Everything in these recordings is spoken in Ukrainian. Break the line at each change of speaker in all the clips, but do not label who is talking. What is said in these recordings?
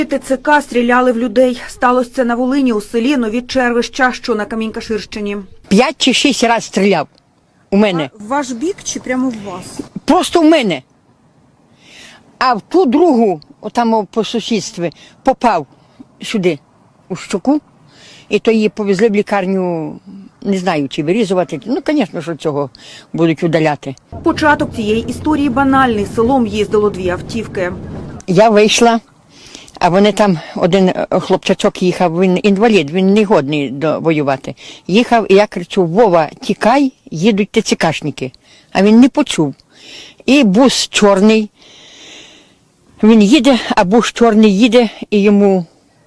ТЦК стріляли в людей. Сталося це на Волині, у селі Нові Червища, що на Камінь-Каширщині.
5 чи 6 разів стріляв у мене.
В ваш бік чи прямо в вас?
Просто в мене. А в ту другу, отам по сусідстві, попав сюди, у щоку. І то її повезли в лікарню, не знаю, чи вирізувати. Ну, звісно, що цього будуть удаляти.
Початок цієї історії банальний. Селом їздило 2 автівки.
Я вийшла, а вони там, один хлопчачок їхав, він інвалід, він не годний воювати. Їхав, і я кричу: Вова, тікай, їдуть ТЦКшники. А він не почув. І бус чорний, він їде, а бус чорний їде, і йому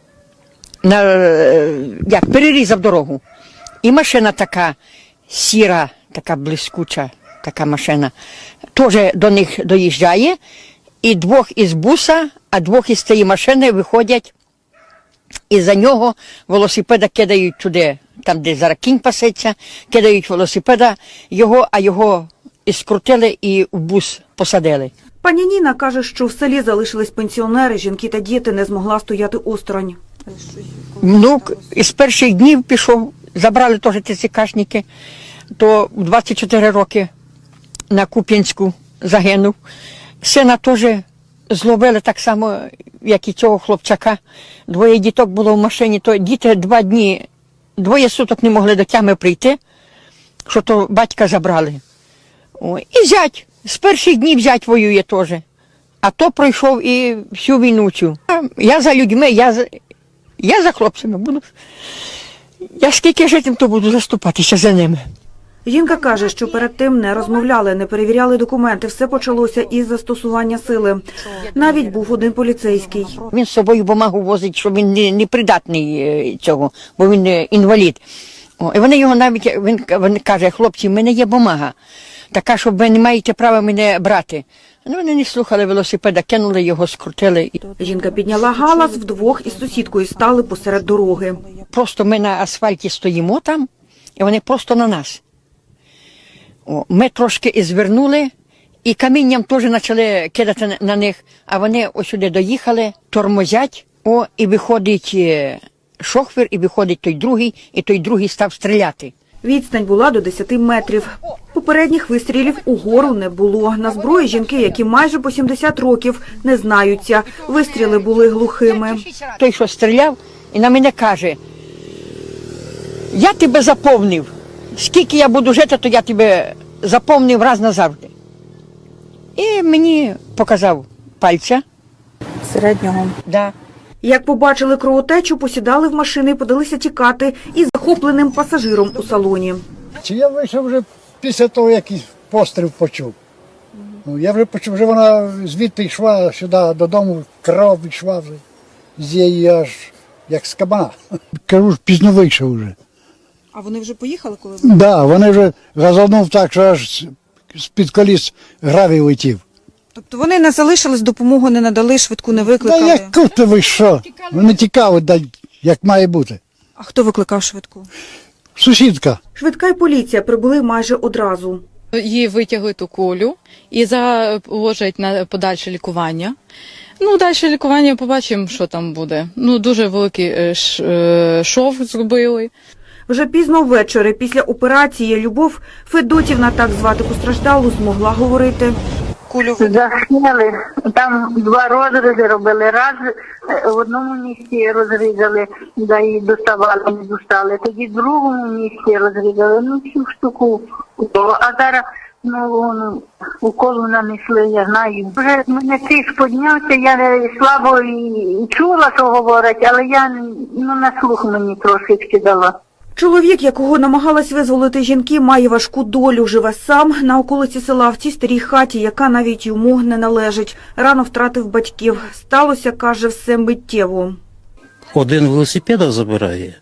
перерізав дорогу. І машина така сіра, така блискуча, така машина, теж до них доїжджає. І 2 із буса, а 2 із цієї машини виходять, і за нього велосипеда кидають туди, там, де зараз кінь пасеться, кидають велосипеда його, а його і скрутили і в бус посадили.
Пані Ніна каже, що в селі залишились пенсіонери, жінки та діти, не змогла стояти осторонь.
Внук із перших днів пішов, забрали теж ТЦКшники, то в 24 роки на Куп'янську загинув. Сина теж зловили так само, як і цього хлопчака. 2 діток було в машині, то діти 2 дні, 2 суток не могли до тями прийти, що то батька забрали. І зять, з перших днів зять воює теж. А то пройшов і всю війну цю. Я за людьми, я за хлопцями буду. Я скільки житим, то буду заступатися за ними.
Жінка каже, що перед тим не розмовляли, не перевіряли документи. Все почалося із застосування сили. Навіть був один поліцейський.
Він з собою бумагу возить, що він не придатний цього, бо він інвалід. І вони його навіть, він каже: хлопці, в мене є бумага, така, що ви не маєте права мене брати. Ну, вони не слухали велосипеда, кинули його, скрутили.
Жінка підняла галас, вдвох із сусідкою стали посеред дороги.
Просто ми на асфальті стоїмо там, і вони просто на нас. Ми трошки і звернули, і камінням теж почали кидати на них, а вони ось сюди доїхали, тормозять, і виходить шофер, і виходить той другий, і той другий став стріляти.
Відстань була до 10 метрів. Попередніх вистрілів угору не було. На зброї жінки, які майже по 70 років, не знаються. Вистріли були глухими.
Той, що стріляв, і на мене каже: я тебе заповнив. Скільки я буду жити, то я тебе заповнив раз назавжди. І мені показав пальця.
Середнього.
Да.
Як побачили кровотечу, посідали в машини і подалися тікати із захопленим пасажиром у салоні.
Чи я вийшов вже після того, як постріл почув. Я вже почув, вже вона звідти йшла сюди додому, кров йшла вже з її аж як з кабана. Кажу, пізно вийшов вже.
А вони вже поїхали, коли ви?
Так, да, вони вже газанув так, що аж з-під коліс гравій летів.
Тобто вони не залишились, допомогу не надали, швидку не викликали?
Да яку ти ви що? Вони тікали, як має бути.
А хто викликав швидку?
Сусідка.
Швидка й поліція прибули майже одразу.
Її витягли ту кулю і заложать на подальше лікування. Ну, далі лікування побачимо, що там буде. Ну, дуже великий шов зробили.
Вже пізно ввечері, після операції, Любов Федотівна, так звати постраждалу, змогла говорити.
Засняли, там 2 розрізи робили, раз в одному місці розрізали, да і доставали, не достали, тоді в другому місці розрізали, ну всю штуку, а зараз уколу нанесли, я знаю. Вже мене тиск піднявся, я слабо і чула, що говорять, але я на слух мені трошечки дала.
Чоловік, якого намагалась визволити жінки, має важку долю. Живе сам на околиці села в цій старій хаті, яка навіть йому не належить. Рано втратив батьків. Сталося, каже, все миттєво.
Один велосипеда забирає,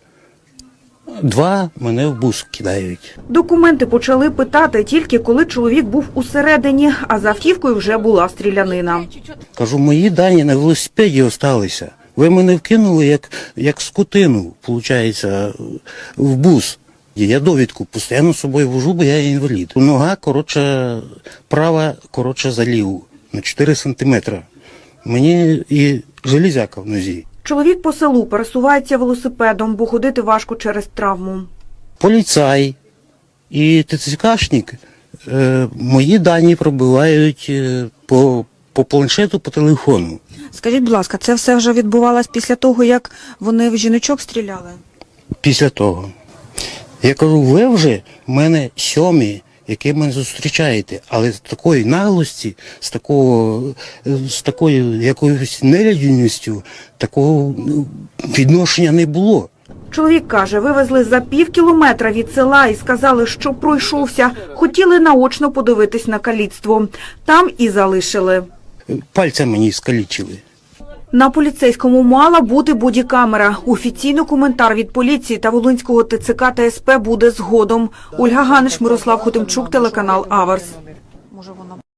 2 мене в бус кидають.
Документи почали питати тільки коли чоловік був усередині, а за автівкою вже була стрілянина.
Кажу, мої дані на велосипеді залишилися. Ви мене вкинули як скотину, виходить, в бус. Я довідку постійно з собою вожу, бо я інвалід. Нога, права, за ліву, на 4 сантиметри. Мені і железяка в нозі.
Чоловік по селу пересувається велосипедом, бо ходити важко через травму.
Поліцай і ТЦКшник мої дані пробивають по планшету, по телефону.
Скажіть, будь ласка, це все вже відбувалось після того, як вони в жіночок стріляли? Після
того. Я кажу, ви вже в мене сьомі, які мене зустрічаєте, але з такої наглості, з такою якоюсь нелюдяністю, такого відношення не було.
Чоловік каже, вивезли за пів кілометра від села і сказали, що пройшовся. Хотіли наочно подивитись на каліцтво. Там і залишили.
Пальця мені скалічили.
На поліцейському мала бути бодікамера. Офіційний коментар від поліції та Волинського ТЦК та СП буде згодом. Ольга Ганиш, Мирослав Хотимчук, телеканал Аверс.